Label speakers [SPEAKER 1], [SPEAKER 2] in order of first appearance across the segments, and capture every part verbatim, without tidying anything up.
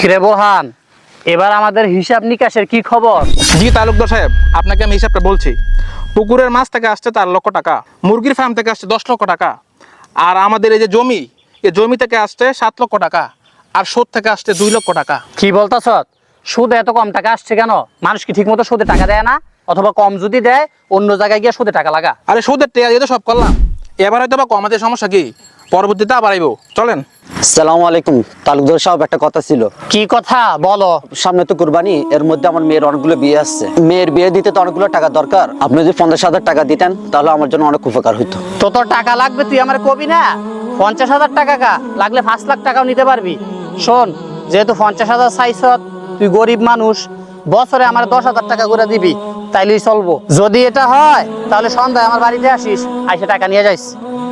[SPEAKER 1] কিরে বোরহান, এবার আমাদের হিসাব নিকাশের কি খবর?
[SPEAKER 2] জি তালুকদার সাহেব, আপনাকে আমি হিসাবটা বলছি। পুকুরের মাছ থেকে আসছে চার লক্ষ টাকা, মুরগির ফার্ম থেকে আসছে দশ লক্ষ টাকা, আর আমাদের এই যে জমি, এই জমি থেকে আসছে সাত লক্ষ টাকা, আর সুদ থেকে আসছে দুই লক্ষ টাকা।
[SPEAKER 1] কি বলতাছ? সুদে এত কম টাকা আসছে কেন? মানুষ কি ঠিক মতো সুদে টাকা দেয় না? অথবা কম যদি দেয় অন্য জায়গায় গিয়ে সুদে টাকা লাগা?
[SPEAKER 2] আরে সুদের টেয়া দিয়ে তো সব করলাম, এবার হয়তো বা কমাতে সমস্যা কি, পরবর্তীতে আবার আইব। চলেন।
[SPEAKER 3] আসসালামু আলাইকুম তালুকদার সাহেব, একটা কথা ছিল।
[SPEAKER 1] কি কথা বলো?
[SPEAKER 3] সামনে তো কুরবানি, এর মধ্যে আমার মেয়ের অনেকগুলো বিয়ে আসছে। মেয়ের বিয়ে দিতে তো অনেকগুলো টাকা দরকার। আপনি যদি পঞ্চাশ হাজার টাকা দিতেন তাহলে আমার জন্য অনেক উপকার হইতো।
[SPEAKER 1] তো তোর টাকা লাগবে, তুই আমার কবি না? পঞ্চাশ হাজার টাকা কা লাগলে পাঁচ লাখ টাকাও নিতে পারবি। শোন, যেহেতু পঞ্চাশ হাজার চাইছ, তুই গরিব মানুষ, বছরে আমার দশ হাজার টাকা করে দিবি, তাইলেই চলবো। যদি এটা হয় তাহলে সন্ধ্যায় আমার বাড়িতে আসিস, আইসে টাকা নিয়ে যাইস।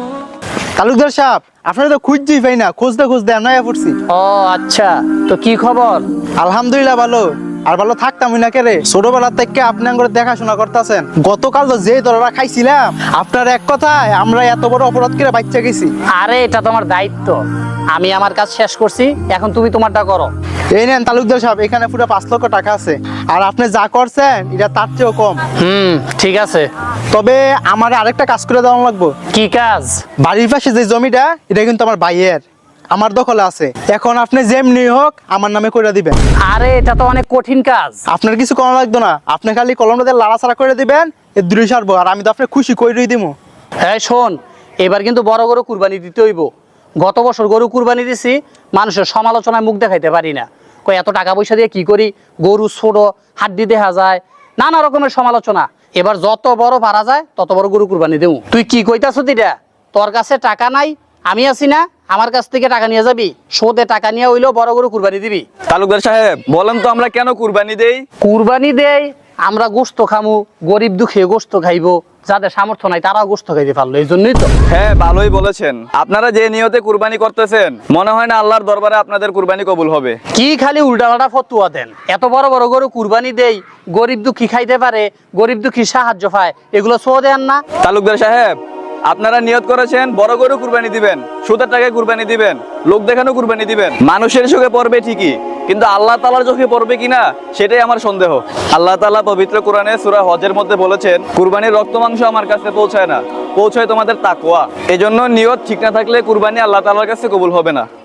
[SPEAKER 4] তালুকদার সাহেব, আপনারা তো খুঁজছি পাই না, খুঁজতে খুঁজতে আমরা পড়ছি।
[SPEAKER 1] ও আচ্ছা, তো কি খবর?
[SPEAKER 4] আলহামদুলিল্লাহ ভালো। আর ভালো থাকতাম না কে রে, ছোটবেলা থেকে আপনি আঙ্গুর দেখাশোনা করতেছেন। গতকাল তো যে দররা খাইছিলাম, আপনার এক কথায় আমরা এত বড় অপরাধ করে বাচ্চা গেছি।
[SPEAKER 1] আরে এটা তোমার দায়িত্ব, আমি আমার কাজ শেষ করছি, এখন তুমি তোমারটা করো।
[SPEAKER 4] এই নেন তালুকদার সাহেব, এখানে পুরো পাঁচ লক্ষ টাকা আছে। আর আপনি যা করছেন এটা তার চেয়েও কম।
[SPEAKER 1] হুম, ঠিক আছে।
[SPEAKER 4] তবে আমার আরেকটা কাজ করে দেওয়া লাগবে।
[SPEAKER 1] কি কাজ?
[SPEAKER 4] বাড়ির পাশে যে জমিটা, এটা কিন্তু আমার ভাইয়ের, আমার দখলে আছে। এখন আপনি যেমনি হোক আমার নামে করে দিবেন।
[SPEAKER 1] আরে এটা তো অনেক কঠিন কাজ।
[SPEAKER 4] আপনার কিছু করা লাগতো না, আপনি খালি কলমটা দিয়ে লাড়াছাড়া করে দিবেন, এর দূরে সারবো। আর আমি তো আপনার খুশি কইরই দিব।
[SPEAKER 1] হ্যাঁ শোন, এবার কিন্তু বড় গরু কুরবানি দিতে হইব। গত বছর গরু কুরবানি দিছি, মানুষের সমালোচনায় মুখ দেখাইতে পারি না, কই এত টাকা পয়সা দিয়ে কি করি, গরু ছোট, হাড্ডি দেখা যায়, নানা রকমের সমালোচনা। এবার যত বড় পারা যায় তত বড় গরু কুরবানি দেবো। তুই কি কইতাছ দিটা? তোর কাছে টাকা নাই, আমি আছি না, আমার কাছ থেকে টাকা নিয়ে যাবি, সুদে টাকা নিয়ে হইলেও বড় গরু কুরবানি দিবি।
[SPEAKER 5] তালুকদার সাহেব বলেন তো, আমরা কেন কুরবানি দেই?
[SPEAKER 1] কুরবানি দেই আমরা গোস্ত খামু, গরিব দুঃখে গোস্ত খাইবো, যাদের সামর্থ্য নাই তারাও গোস্ত খাইতে পারলো, এই জন্যই তো।
[SPEAKER 5] হ্যাঁ ভালোই বলেছেন। আপনারা যে নিয়তে কুরবানি করতেছেন, মনে হয় না আল্লাহর দরবারে আপনাদের কুরবানি কবুল হবে।
[SPEAKER 1] কি খালি উল্টাপাল্টা ফতুয়া দেন? এত বড় বড় গরু কুরবানি দেই, গরিব দুঃখী খাইতে পারে, গরিব দুঃখী সাহায্য পায়, এগুলো সো দেন না?
[SPEAKER 5] তালুকদার সাহেব, আপনারা নিয়ত করেছেন বড় গরু কুরবানি দিবেন, সুদের টাকায় কুরবানি দিবেন, লোক দেখানো কুরবানি দিবেন। মানুষের চোখে পড়বে ঠিকই, কিন্তু আল্লাহ তাআলার চোখে পড়বে কিনা সেটাই আমার সন্দেহ। আল্লাহ তাআলা পবিত্র কোরআনে সূরা হজের মধ্যে বলেছেন, কুরবানির রক্ত মাংস আমার কাছে পৌঁছায় না, পৌঁছায় তোমাদের তাকওয়া। এজন্য নিয়ত ঠিক না থাকলে কুরবানি আল্লাহ তাআলার কাছে কবুল হবে না।